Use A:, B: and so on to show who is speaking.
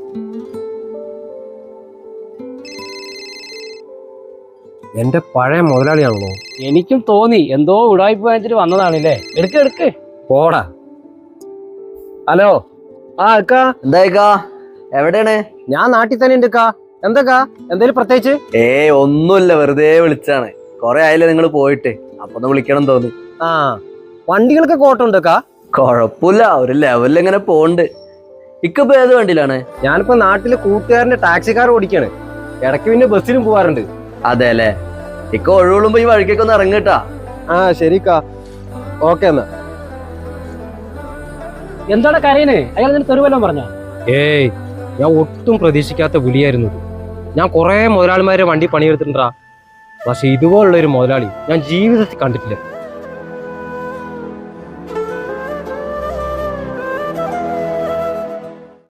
A: എന്റെ പഴയ മുതലാളിയാണല്ലോ.
B: എനിക്കും തോന്നി എന്തോ ഉടായ്പ വാങ്ങിച്ചിട്ട് വന്നതാണല്ലേ. എടുക്ക്
A: പോടാ. ഹലോ. അക്കാ
C: എന്തായിക്കാ? എവിടെയാണ്?
A: ഞാൻ നാട്ടിൽ തന്നെ ഉണ്ട്. എന്തൊക്കാ? എന്തേലും പ്രത്യേകിച്ച്?
C: ഒന്നുമില്ല, വെറുതെ വിളിച്ചാണ്. കൊറേ ആയില്ലേ നിങ്ങൾ പോയിട്ട്, അപ്പൊ ഒന്ന് വിളിക്കണം തോന്നി.
A: ആ, വണ്ടികളൊക്കെ കോട്ടുണ്ടക്കാ?
C: കൊഴപ്പില്ല, ഒരു ലെവലിൽ ഇങ്ങനെ പോണ്ട്. ഇക്കിപ്പോ ഏത് വണ്ടിയിലാണ്?
A: ഞാനിപ്പോ നാട്ടില് കൂട്ടുകാരന്റെ ടാക്സിക്കാർ ഓടിക്കാണ്. ഇടയ്ക്ക് പിന്നെ ബസ്സിലും പോവാറുണ്ട്.
C: അതെ അല്ലേ. ഇക്ക ഒഴിവുള്ളുമ്പോ ഈ വഴിക്കൊക്കെ ഒന്ന് ഇറങ്ങിട്ടാ.
A: ആ ശരിക്കാ. ഓക്കെ എന്നാ.
B: എന്താണ് കരയന്? അയാൾ നിന്നെ തെരുവല്ലോ പറഞ്ഞ?
A: ഏയ്, ഞാൻ ഒട്ടും പ്രതീക്ഷിക്കാത്ത വിളിയായിരുന്നു. ഞാൻ കുറെ മുതലാളിമാരെ വണ്ടി പണിയെടുത്തിട്ടുണ്ടാ. പക്ഷെ ഇതുപോലുള്ള ഒരു മുതലാളി ഞാൻ ജീവിതത്തിൽ കണ്ടിട്ടില്ല.